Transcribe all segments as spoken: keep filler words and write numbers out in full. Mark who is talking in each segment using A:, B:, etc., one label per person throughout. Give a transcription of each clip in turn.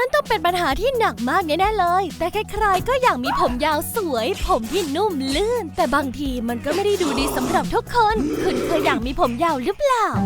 A: นั่นต้องเป็นปัญหาที่หนักมากแน่ๆเลยแต่ใครๆก็อยากมีผมยาวสวยผมที่นุ่มลื่นแต่บางทีมันก็ไม่ได้ดูดีสำหรับทุกคนคุณเคยอยากมีผมยาวหรือเปล่า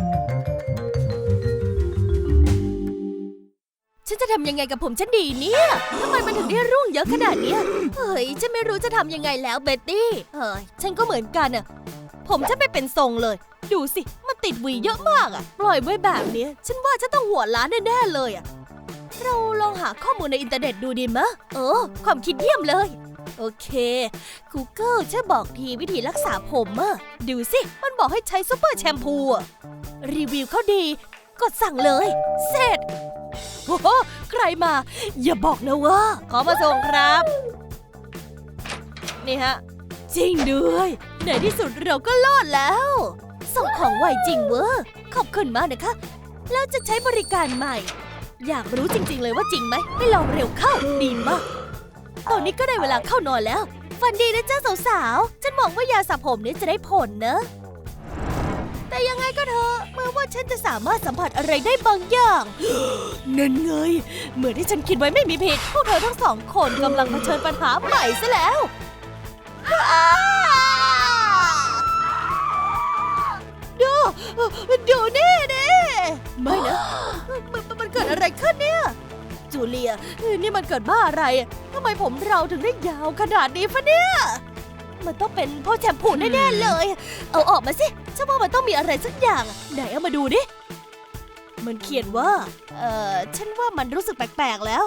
A: ฉันจะทำยังไงกับผมฉันดีเนี่ยทำไมมันถึงได้ร่วงเยอะขนาดนี้เฮ้ยฉันไม่รู้จะทำยังไงแล้วเบ็ตตี้เฮ้ยฉันก็เหมือนกันอะผมฉันไม่เป็นทรงเลยดูสิมันติดหวีเยอะมากอะปล่อยไว้แบบนี้ฉันว่าฉันต้องหัวล้านแน่ๆเลยอะเราลองหาข้อมูลในอินเทอร์เน็ตดูดีมะเออความคิดเยี่ยมเลยโอเค Google ช่วยบอกทีวิธีรักษาผมอะดูสิมันบอกให้ใช้ซุปเปอร์แชมพูอะรีวิวเขาดีกดสั่งเลยเสร็จโอ้โหใครมาอย่าบอกนะว่าขอมาส่งครับนี่ฮะจริงด้วยในที่สุดเราก็รอดแล้วส่งของไวจริงเวอร์ขอบคุณมากนะคะแล้วจะใช้บริการใหม่อยากรู้จริงๆเลยว่าจริงไหมให้ลองเร็วเข้าดีมากตอนนี้ก็ได้เวลาเข้านอนแล้วฝันดีนะจ้าสาวๆฉันหวังว่ายาสระผมนี้จะได้ผลนะแต่ยังไงก็เถอะเมื่อว่าฉันจะสามารถสัมผัสอะไรได้บางอย่าง นั่นไงเหมือนที่ฉันคิดไว้ไม่มีผิดพวกเธอทั้งสองคนกำลังเผชิญปัญหาใหม่ซะแล้วดูดูนี่นี่ไม่นะมันมันเกิดอะไรขึ้นเนี่ยจูเลียนี่มันเกิดบ้าอะไรทำไมผมเราถึงได้ยาวขนาดนี้ฟะเนี่ยมันต้องเป็นเพราะแชมพูแน่ๆเลยเอาออกมาสิฉันว่ามันต้องมีอะไรสักอย่างไหนเอามาดูดิมันเขียนว่าเอ่อฉันว่ามันรู้สึกแปลกๆแล้ว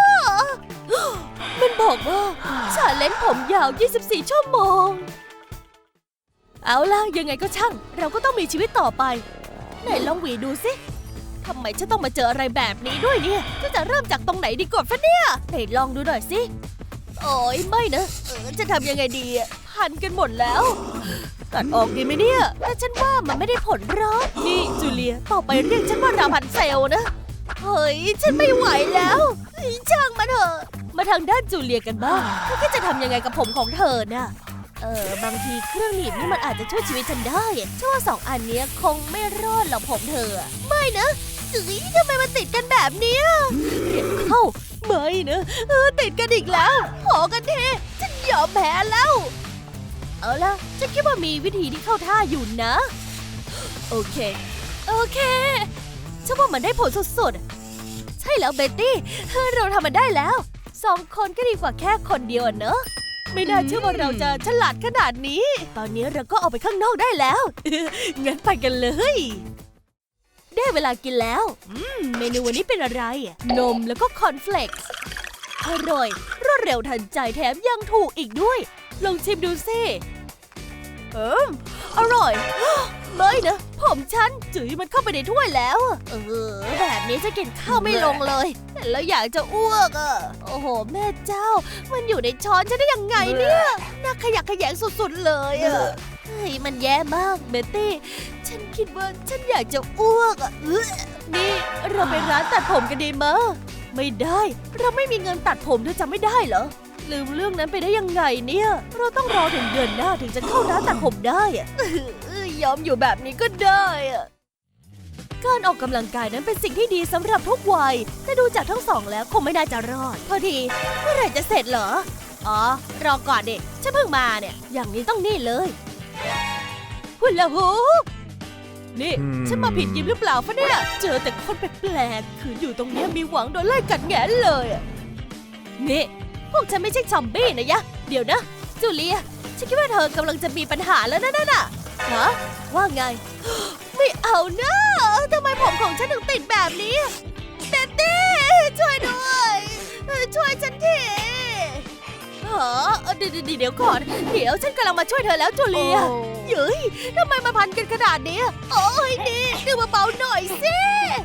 A: มันบอกว่าชาเลนจ์ผมยาวยี่สิบสี่ชั่วโมงเอาล่ะยังไงก็ช่างเราก็ต้องมีชีวิตต่อไปไหนลองหวีดูสิทำไมฉันต้องมาเจออะไรแบบนี้ด้วยเนี่ยฉันจะเริ่มจากตรงไหนดีก่อนฟะเนี่ยไหนลองดูหน่อยสิโอ้ยไม่นะเออจะทำยังไงดีพันกันหมดแล้วตัดออกดีไหมเนี่ยแต่ฉันว่ามันไม่ได้ผลหรอกนี่จูเลียต่อไปเรียกฉันว่าราพันเซลนะเฮ้ยฉันไม่ไหวแล้วช่างมันเถอะมาทางด้านจูเลียกันบ้างเธอจะทำยังไงกับผมของเธอน่ะเออบางทีเครื่องหนีบนี่มันอาจจะช่วยชีวิตฉันได้ฉันว่าสองอันนี้คงไม่รอดหรอกผมเธอไม่นะจุ๋ยทำไมมันติดกันแบบนี้เรียกเข้าไม่นะเออติดกันอีกแล้วพอกันเทฉันยอมแพ้แล้วเอาล่ะฉันคิดว่ามีวิธีที่เข้าท่าอยู่นะโอเคโอเคฉันว่ามันได้ผลสุดๆใช่แล้วเบตตี้เราทำมันได้แล้วสองคนก็ดีกว่าแค่คนเดียวเนอะไม่น่าเชื่อว่าเราจะฉลาดขนาดนี้ตอนนี้เราก็ออกไปข้างนอกได้แล้ว งั้นไปกันเลยได้เวลากินแล้วอืมเมนูวันนี้เป็นอะไรนมแล้วก็คอนเฟลกซ์อร่อยรวดเร็วทันใจแถมยังถูกอีกด้วยลองชิมดูสิเอิมอร่อย ไม่นะผมฉันจุ๋ยมันเข้าไปในถ้วยแล้วเออแบบนี้จะกินข้าวไม่ลงเลยแล้วอยากจะอ้วกอ่ะโอ้โหแม่เจ้ามันอยู่ในช้อนฉันได้ยังไงเนี่ยน่าขยะแขยงสุดๆเลยอ่ะเฮ้ยมันแย่มากเบตตี้ฉันคิดว่าฉันอยากจะอ้วกอ่ะนี่เราไปร้านตัดผมกันดีมั้ยไม่ได้เราไม่มีเงินตัดผมเธอจำไม่ได้เหรอลืมเรื่องนั้นไปได้ยังไงเนี่ยเราต้องรอถึงเดือนหน้าถึงจะเข้าร้านตัดผมได้อะยอมอยู่แบบนี้ก็ได้อะการออกกำลังกายนั้นเป็นสิ่งที่ดีสำหรับทุกวัยแต่ดูจากทั้งสองแล้วคงไม่น่าจะรอดพอดีเมื่อไหร่จะเสร็จเหรออ๋อรอก่อนเด็กฉันเพิ่งมาเนี่ยอย่างนี้ต้องนี่เลยหุ่นละหูนี่ฉันมาผิดยิมหรือเปล่าฟะเนี่ยเจอแต่คนแปลกๆคืออยู่ตรงนี้มีหวังโดนไล่กัดแงนเลยนี่พวกฉันไม่ใช่ซอมบี้นะยะเดี๋ยวนะจูเลียฉันคิดว่าเธอกำลังจะมีปัญหาแล้วนะนั่นน่ะฮะว่าไงไม่เอานะทำไมผมของฉันถึงติดแบบนี้เบตตี้ช่วยด้วยช่วยฉันทีฮะเดี๋ยวเดี๋ยวก่อนเดี๋ยวฉันกำลังมาช่วยเธอแล้วจูเลียเฮ้ยทำไมมาพันกันขนาดนี้โอ้ยนี่ดูเบาๆหน่อยสิ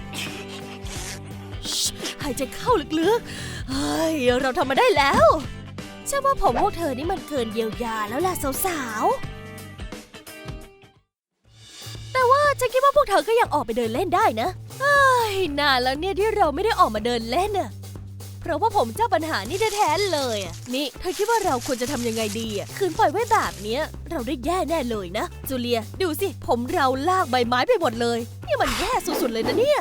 A: หายใจเข้าลึกๆเฮ้ยเราทำมาได้แล้วฉันว่าผมพวกเธอนี่มันเกินเยียวยาแล้วล่ะสาวๆแต่ว่าฉันคิดว่าพวกเธอก็ยังออกไปเดินเล่นได้นะเฮ้ยนานแล้วเนี่ยที่เราไม่ได้ออกมาเดินเล่นน่ะเพราะว่าผมเจ้าปัญหานี่แท้ๆเลยอ่ะนี่เธอคิดว่าเราควรจะทำยังไงดีอ่ะคืนปล่อยไว้แบบเนี้ยเราได้แย่แน่เลยนะจูเลียดูสิผมเราลากใบไม้ไปหมดเลยนี่มันแย่สุดๆเลยนะเนี่ย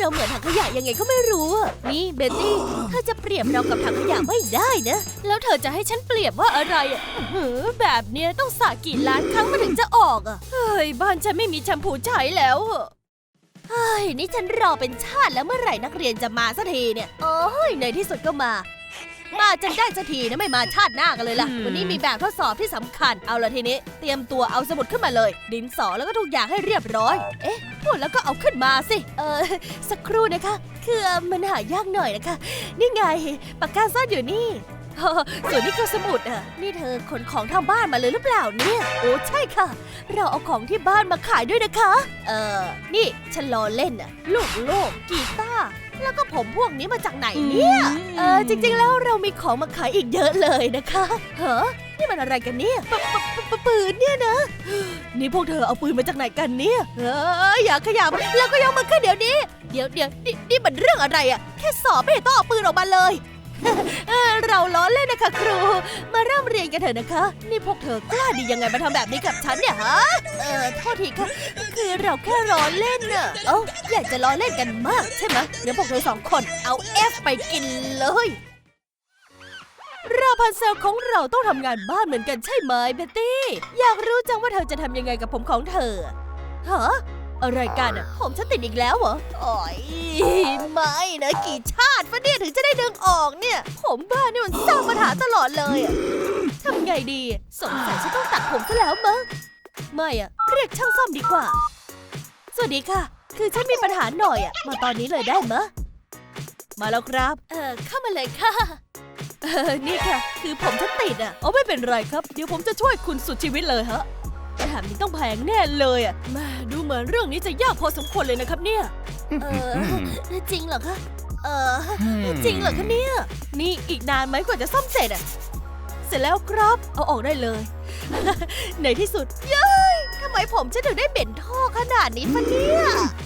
A: เราเหมือนถังขยะยังไงก็ไม่รู้อะนี่เบตตี้เธอจะเปรียบเรากับถังขยะไม่ได้นะแล้วเธอจะให้ฉันเปรียบว่าอะไรอะเฮ้อแบบเนี้ยต้องสระกี่ล้านครั้งมาถึงจะออกอะเฮ้ยบ้านฉันไม่มีแชมพูใช้แล้วอะเฮ้ยนี่ฉันรอเป็นชาติแล้วเมื่อไหร่นักเรียนจะมาสักทีเนี่ยโอ้ยในที่สุดก็มามาจนได้สักทีนะไม่มาชาติหน้ากันเลยล่ะวันนี้มีแบบทดสอบที่สำคัญเอาละทีนี้เตรียมตัวเอาสมุดขึ้นมาเลยดินสอแล้วก็ทุกอย่างให้เรียบร้อยเอ๊ะพูดแล้วก็เอาขึ้นมาสิเออสักครู่นะคะคือมันหายากหน่อยนะคะนี่ไงปากกาซ่อนอยู่นี่ส่วนนี้คือสมุดอ่ะนี่เธอขนของทางบ้านมาเลยหรือเปล่าเนี่ยโอ้ใช่ค่ะเราเอาของที่บ้านมาขายด้วยนะคะเออนี่ฉันล้อเล่นอ่ะลูกโลกกีตาร์แล้วก็ผมพวกนี้มาจากไหนเนี่ยเออจริงๆแล้วเรามีของมาขายอีกเยอะเลยนะคะเฮ้อนี่มันอะไรกันเนี่ยปปปปืนเนี่ยนะนี่พวกเธอเอาปืนมาจากไหนกันเนี่ยเอออย่าขยับแล้วก็ยกมือขึ้นเดี๋ยวนี้เดี๋ยวเดี๋ยวนี่นี่มันเรื่องอะไรอ่ะแค่สอบไม่เห็นต้องเอาปืนออกมาเลยเออเราล้อเล่นนะคะครูมาเริ่มเรียนกันเถอะนะคะนี่พวกเธอกล้าดียังไงมาทำแบบนี้กับฉันเนี่ยฮะเออโทษทีค่ะคือเราแค่ล้อเล่นน่ะเอ้าอยากจะล้อเล่นกันมากใช่ไหมเดี๋ยวพวกเธอสองคนเอาเอฟไปกินเลยราพันเซลของเราต้องทำงานบ้านเหมือนกันใช่ไหมเบตตี้อยากรู้จังว่าเธอจะทำยังไงกับผมของเธอฮะอะไรกันอ่ะผมฉันติดอีกแล้วเหรอโอ้ยไม่นะกี่ชาติฟะเนี่ยถึงจะได้ดึงออกเนี่ยผมบ้านี่มันสร้างปัญหาตลอดเลยอ่ะทำไงดีสงสัยฉันต้องตัดผมซะแล้วมั้งไม่อ่ะเรียกช่างซ่อมดีกว่าสวัสดีค่ะคือฉันมีปัญหาหน่อยอ่ะมาตอนนี้เลยได้มะมาแล้วครับเออเข้ามาเลยค่ะเออนี่ค่ะคือผมฉันติดอ่ะอ๋อไม่เป็นไรครับเดี๋ยวผมจะช่วยคุณสุดชีวิตเลยฮะแถมนี้ต้องแพงแน่เลยอ่ะแม่ดูเหมือนเรื่องนี้จะยากพอสมควรเลยนะครับเนี่ยเออจริงเหรอคะเออจริงเหรอคะเนี่ยนี่อีกนานไหมกว่าจะซ่อมเสร็จอ่ะเสร็จแล้วครับเอาออกได้เลยในที่สุดเย้ยทำไมผมฉันถึงได้เหม็นท่อขนาดนี้ฟะเนี่ย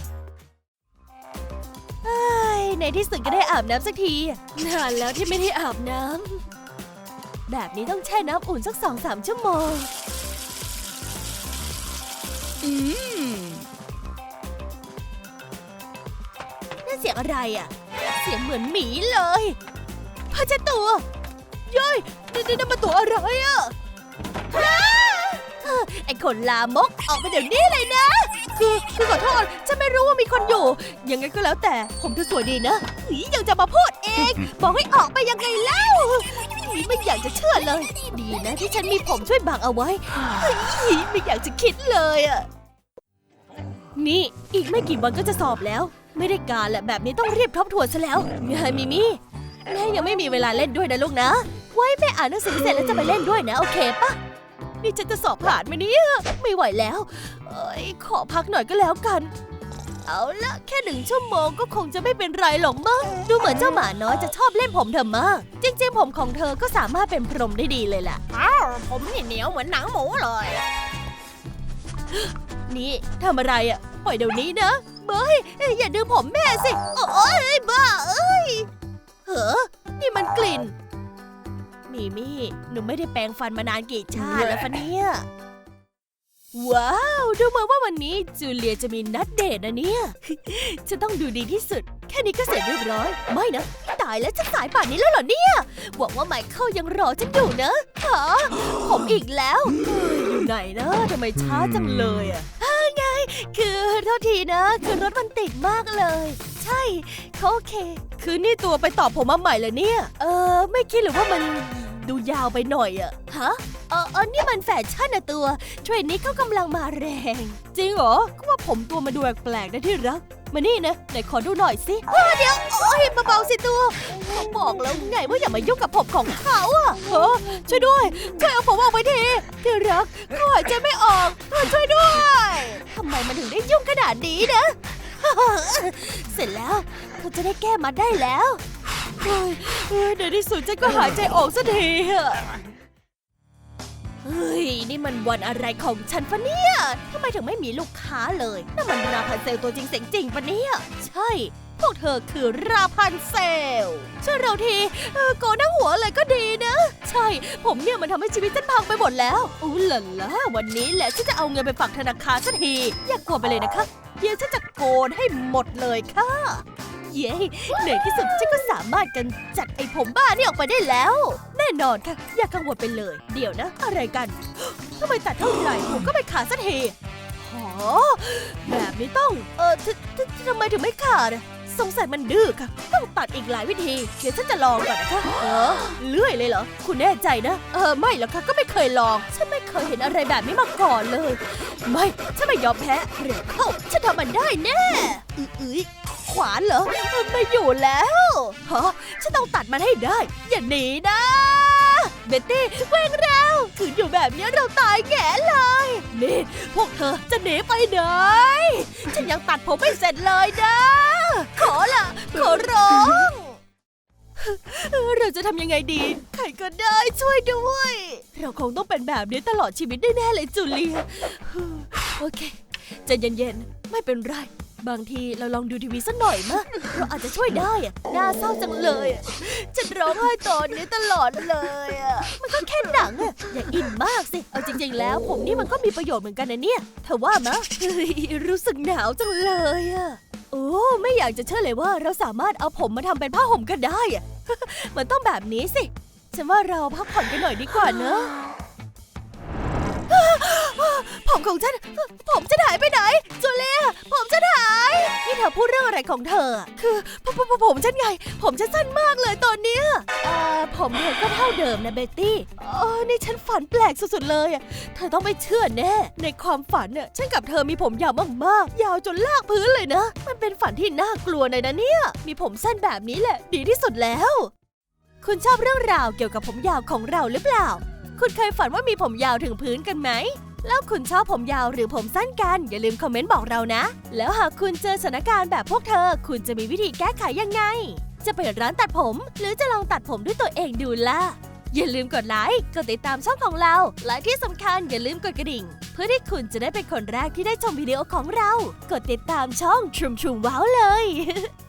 A: ในที่สุดก็ได้อาบน้ำสักทีนานแล้วที่ไม่ได้อาบน้ำแบบนี้ต้องแช่น้ำอุ่นสักสองสามชั่วโมงอืมนั่นเสียงอะไรอ่ะเสียงเหมือนหมีเลยพ่อเจ้าตัวย้อยนี่นี่นั่นมันตัวอะไรอ่ะไอ้คนลามกออกไปเดี๋ยวนี้เลยนะคือคือขอโทษฉันไม่รู้ว่ามีคนอยู่ยังไงก็แล้วแต่ผมเธอสวยดีนะหนียังจะมาพูดเองบอกให้ออกไปยังไงเล่าไม่อยากจะเชื่อเลยดีนะที่ฉันมีผมช่วยบังเอาไว้ไม่อยากจะคิดเลยอ่ะนี่อีกไม่กี่วันก็จะสอบแล้วไม่ได้การแหละแบบนี้ต้องรีบทบทวนซะแล้วไงมิมี่แม่ยังไม่มีเวลาเล่นด้วยนะลูกนะไว้แม่อ่านหนังสือเสร็จแล้วจะไปเล่นด้วยนะโอเคปะนี่ฉันจะสอบผ่านไหมเนี่ยไม่ไหวแล้วเอ้ยขอพักหน่อยก็แล้วกันเอาละแค่หนึ่งชั่วโมงก็คงจะไม่เป็นไรหรอกมั้งดูเหมือนเจ้าหมาน้อยจะชอบเล่นผมเธอมากจริงๆผมของเธอก็สามารถเป็นพรหมได้ดีเลยล่ะอ้าวผมนี่เหนียวเหมือนหนังหมูเลยนี่ทำอะไรอ่ะปล่อยเดี๋ยวนี้นะเบ้ยอย่าดึงผมแม่สิโอ๊ยบ้าเอ้ยเฮ้อนี่มันกลิ่นมิมี่หนูไม่ได้แปรงฟันมานานกี่ชาติแล้วฟะเนี่ยว้าวดูเหมือนว่าวันนี้จูเลียจะมีนัดเดทนะเนี่ยจะต้องดูดีที่สุดแค่นี้ก็เสร็จเรียบร้อยไม่นะตายแล้วจะสายป่านนี้แล้วเหรอเนี่ยหวังว่าไมเคิลยังรอฉันอยู่นะฮะผมอีกแล้วอยู่ไหนนะทำไมช้าจังเลยอ่ะไงคือโทษทีนะคือรถมันติดมากเลยใช่เขาโอเคคือนี่ตัวไปตอบผมมาใหม่เลยเนี่ยเออไม่คิดหรือว่ามันดูยาวไปหน่อยอะฮะเออเออนี่มันแฟชั่นนะตัวเทรนนี้เขากำลังมาแรงจริงเหรอก็ว่าผมตัวมาดูแปลกๆนะที่รักมานี่นะไหนขอดูหน่อยสิเดี๋ยวโอ้ยเบาๆสิตัวเขาบอกแล้วไงว่าอย่ามายุ่งกับผมของเขาอะเฮ้อช่วยด้วยช่วยเอาผมออกไปทีที่รักเขาหายใจไม่ออกช่วยด้วยทำไมมันถึงได้ยุ่งขนาดนี้นะเสร็จแล้วเขาจะได้แก้มาได้แล้วในที่สุดฉันก็หายใจออกสักทีอะเฮ้ยนี่มันวันอะไรของฉันฟะเนี่ยทำไมถึงไม่มีลูกค้าเลยนั่นมันราพันเซลตัวจริงเสียงจริงปะเนี่ยใช่พวกเธอคือราพันเซลช่วยเราทีโกนหน้าหัวเลยก็ดีนะใช่ผมเนี่ยมันทำให้ชีวิตฉันพังไปหมดแล้วอู้หล่ะล่ะวันนี้แหละฉันจะเอาเงินไปฝากธนาคารสักทีอย่ากลัวไปเลยนะคะเดี๋ยวฉันจะโกนให้หมดเลยค่ะเย้เหนื่อยที่สุดฉันก็สามารถกันจัดไอ้ผมบ้านี่ออกไปได้แล้วแน่นอนค่ะอย่ากังวลไปเลยเดี๋ยวนะอะไรกันทำไมตัดเท่าไหร่ผมก็ไม่ขาดสักทีหอแบบนี้ต้องเออทททำไมถึงไม่ขาดสงสัยมันดื้อค่ะต้องตัดอีกหลายวิธีเดี๋ยวฉันจะลองก่อนนะคะเออเลื่อยเลยเหรอคุณแน่ใจนะเออไม่หรอกค่ะก็ไม่เคยลองฉันไม่เคยเห็นอะไรแบบนี้มาก่อนเลยไม่ฉันไม่ยอมแพ้เร็วเข้าฉันทำมันได้แน่อื้อขวานเหรอไม่อยู่แล้วฮะฉันต้องตัดมันให้ได้อย่าหนีนะเบตตี้เว่งเราคืนอยู่แบบนี้เราตายแง่เลยนี่พวกเธอจะหนีไปไหนฉันยังตัดผมไม่เสร็จเลยนะขอละขอร้องเราจะทำยังไงดีใครก็ได้ช่วยด้วยเราคงต้องเป็นแบบนี้ตลอดชีวิตแน่ๆเลยจูเลียโอเคใจเย็นๆไม่เป็นไรบางทีเราลองดูทีวีสักหน่อยมะเราอาจจะช่วยได้อะน่าเศร้าจังเลยฉันร้องไห้ตอนนี้ตลอดเลยอะมันก็แค่หนังอะอย่าอินมากสิเอาจริงๆแล้วผมนี่มันก็มีประโยชน์เหมือนกันนะเนี่ยเธอว่ามะเฮ้ยรู้สึกหนาวจังเลยอะโอ้ไม่อยากจะเชื่อเลยว่าเราสามารถเอาผมมาทำเป็นผ้าห่มก็ได้อะมันต้องแบบนี้สิฉันว่าเราพักผ่อนกันหน่อยดีกว่าเนอะผมของฉันผมจะหายไปไหนจูเลียผมจะหายนี่เธอพูดเรื่องอะไรของเธอคือผมผมผมฉันไงผมฉันสั้นมากเลยตอนเนี้ยเอ่อผมเธอก็เท่าเดิมนะเบตตี้อ๋อนี่ฉันฝันแปลกสุดๆเลยเธอต้องไม่เชื่อแน่ในความฝันเนี่ยฉันกับเธอมีผมยาวมากๆยาวจนลากพื้นเลยนะมันเป็นฝันที่น่ากลัวเลยนะเนี่ยมีผมสั้นแบบนี้แหละดีที่สุดแล้วคุณชอบเรื่องราวเกี่ยวกับผมยาวของเราหรือเปล่าคุณเคยฝันว่ามีผมยาวถึงพื้นกันไหมแล้วคุณชอบผมยาวหรือผมสั้นกันอย่าลืมคอมเมนต์บอกเรานะแล้วหากคุณเจอสถานการณ์แบบพวกเธอคุณจะมีวิธีแก้ไขยังไงจะไปร้านตัดผมหรือจะลองตัดผมด้วยตัวเองดูล่ะอย่าลืมกดไลค์กดติดตามช่องของเราและที่สำคัญอย่าลืมกดกระดิ่งเพื่อที่คุณจะได้เป็นคนแรกที่ได้ชมวิดีโอของเรากดติดตามช่องทรูมทรูมว้าวเลย